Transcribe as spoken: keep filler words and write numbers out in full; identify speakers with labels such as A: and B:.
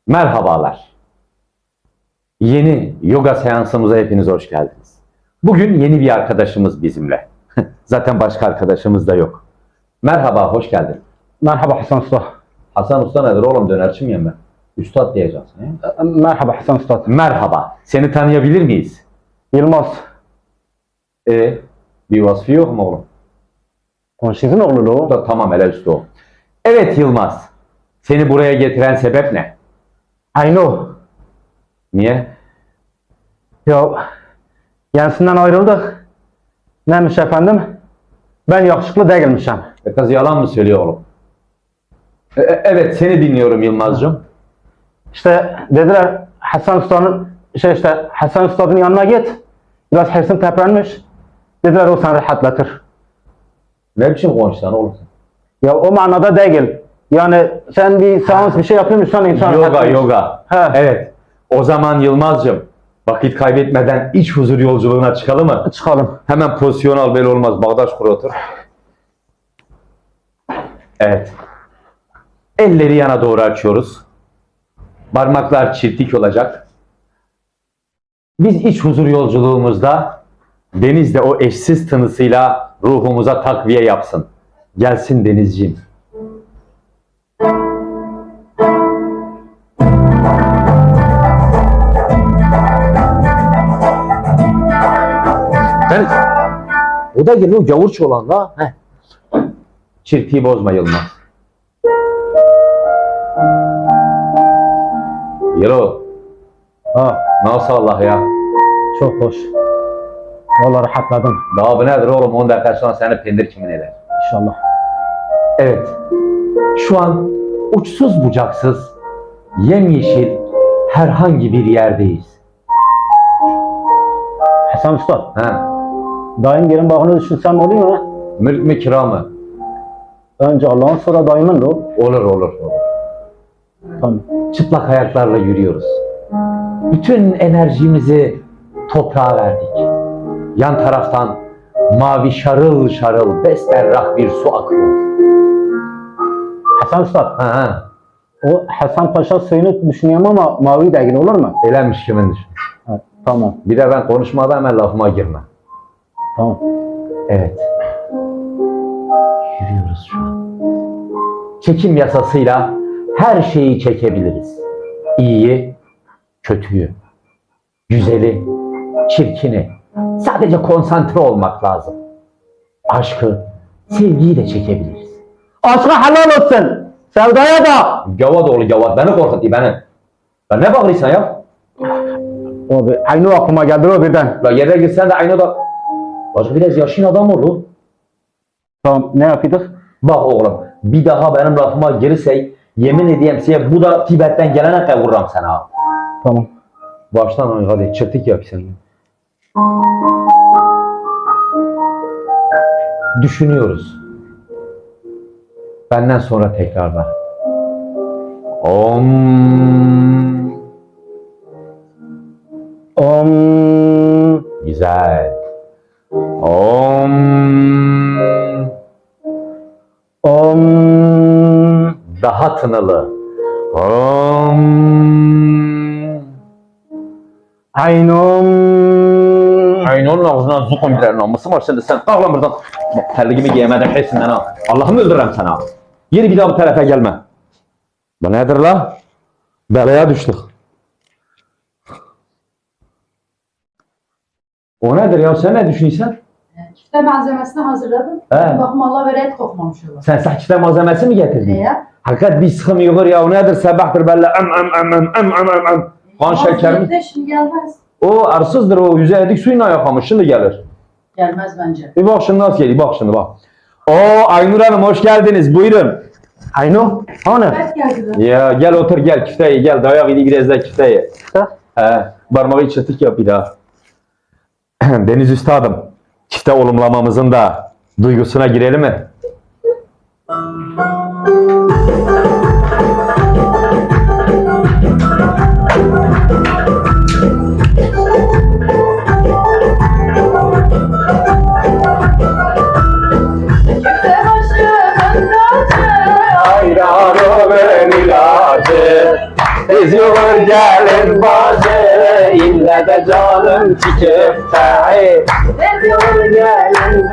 A: Merhabalar. Yeni yoga seansımıza hepiniz hoş geldiniz. Bugün yeni bir arkadaşımız bizimle. Zaten başka arkadaşımız da yok. Merhaba, hoş geldin.
B: Merhaba Hasan Usta.
A: Hasan Usta nedir oğlum, dönerçi miyim ben? Üstad diyeceksin. He?
B: Merhaba Hasan Usta.
A: Merhaba, seni tanıyabilir miyiz?
B: Yılmaz.
A: E, bir vasfı yok mu oğlum?
B: Konşizin oğlu
A: O
B: o.
A: da tamam, hele üstü o. Evet Yılmaz, seni buraya getiren sebep ne?
B: Ayno.
A: Niye?
B: Ya yenisinden ayrıldık. Neymiş efendim? Ben yakışıklı değilmişim.
A: E, kız yalan mı söylüyor oğlum? E, e, evet, seni dinliyorum Yılmaz'cığım.
B: İşte dediler Hasan Usta'nın şey işte Hasan Usta'nın yanına git. Biraz hırsın teprenmiş. Dediler o seni rahatlatır.
A: Ne biçim konuşsan oğlum sen?
B: Ya o manada değil. Yani sen bir seans bir şey yapıyormuşsan insan
A: Yoga,
B: rahatlatır.
A: yoga.
B: He.
A: Evet. O zaman Yılmaz'cığım, vakit kaybetmeden iç huzur yolculuğuna çıkalım mı?
B: Çıkalım.
A: Hemen pozisyon al, böyle olmaz. Bağdaş kur, otur. Evet. Elleri yana doğru açıyoruz. Parmaklar çiftlik olacak. Biz iç huzur yolculuğumuzda Deniz de o eşsiz tınısıyla ruhumuza takviye yapsın. Gelsin Denizciğim. Ben, o da geliyor gavurç olan da. Heh. Çirtiği bozma Yılmaz. Yelo.
B: Ha,
A: Nasıl Allah ya?
B: çok hoş. Vallahi rahatladım.
A: Daha bu nedir oğlum? on dakika sonra seni pendir kimin eder?
B: İnşallah.
A: Evet. Şu an uçsuz bucaksız, yemyeşil herhangi bir yerdeyiz.
B: Hasan Usta.
A: Ha.
B: Daim gelin bağını düşünsem oluyor mu?
A: Mülk mü kira mı?
B: Önce Allah'ın sonra daimin de o.
A: Olur olur olur.
B: Tamam.
A: Çıplak ayaklarla yürüyoruz. Bütün enerjimizi toprağa verdik. Yan taraftan mavi şarıl şarıl besberrak bir su akıyor.
B: Hasan Usta.
A: Ha, ha.
B: O Hasan Paşa suyunu düşünüyorum ama mavi değil olur mu?
A: Elenmiş kimin düşün.
B: Ha, tamam.
A: Bir de ben konuşmadan hemen lafıma girme.
B: Tamam.
A: Evet. Yürüyoruz şu an. Çekim yasasıyla her şeyi çekebiliriz. İyiyi, kötüyü, güzeli, çirkini. Sadece konsantre olmak lazım. Aşkı, sevgiyi de çekebiliriz.
B: Aşka helal olsun. Sevdaya da.
A: Gavat oğlu gavat, beni korkuttu beni. Ben ne bağırıyorsun ya?
B: O bir, aynı aklıma geldi o birden.
A: La yere girsen de aynı da... Başka biraz yaşın adam oldu.
B: Tamam, ne yapıyorduk?
A: Bak oğlum, bir daha benim lafıma girsey, yemin edeyim size bu da Tibet'ten gelene kadar vururum sana.
B: Tamam.
A: Baştan oyn, hadi çırtık yap sen. Düşünüyoruz. Benden sonra tekrarlar. Om.
B: Om.
A: Güzel. Om.
B: Om.
A: Daha tınılı. Om.
B: Aynum.
A: Aynı onun ağzından zukun birer namusu var şimdi sen ağlan buradan. Terliğimi giyemeden hepsinden ha. Allah'ımı öldürürüm sana. Yeri bir daha bu tarafa gelme. Bu nedir la? Belaya düştük. O nedir ya? Sen ne düşünüyorsun?
C: Kifte malzemesini hazırladım.
A: He.
C: Bakım Allah ve ret kokmamış olur.
A: Sen sahçıda malzemesi mi getirdin?
C: Neye?
A: Hakikat bir sıkım yığır ya. O nedir? Sabahtır belli. Am am am am am am am am. Kan şeker mi?
C: De şimdi gelmez.
A: O arsızdır o. Yüze edik suyuna yakamış. Şimdi gelir.
C: Gelmez bence.
A: Bir bak şimdi nasıl geliyor. Bak şimdi bak. Oo Aynur Hanım hoş geldiniz. Buyurun.
B: Aynum. Hani?
C: Evet geldi de.
A: Ya gel otur gel küfteyi gel. Dayak idi biraz da küfteyi.
B: Ha?
A: He. Parmağı çırtık yap bir daha. Deniz Üstadım. Çifte olumlamamızın da duygusuna girelim mi?
C: Kifte başı ben
A: Hayranım ilacı. Tez yolur gelin bazı, ille de canım çikip tahi.
C: Tez yolun gelin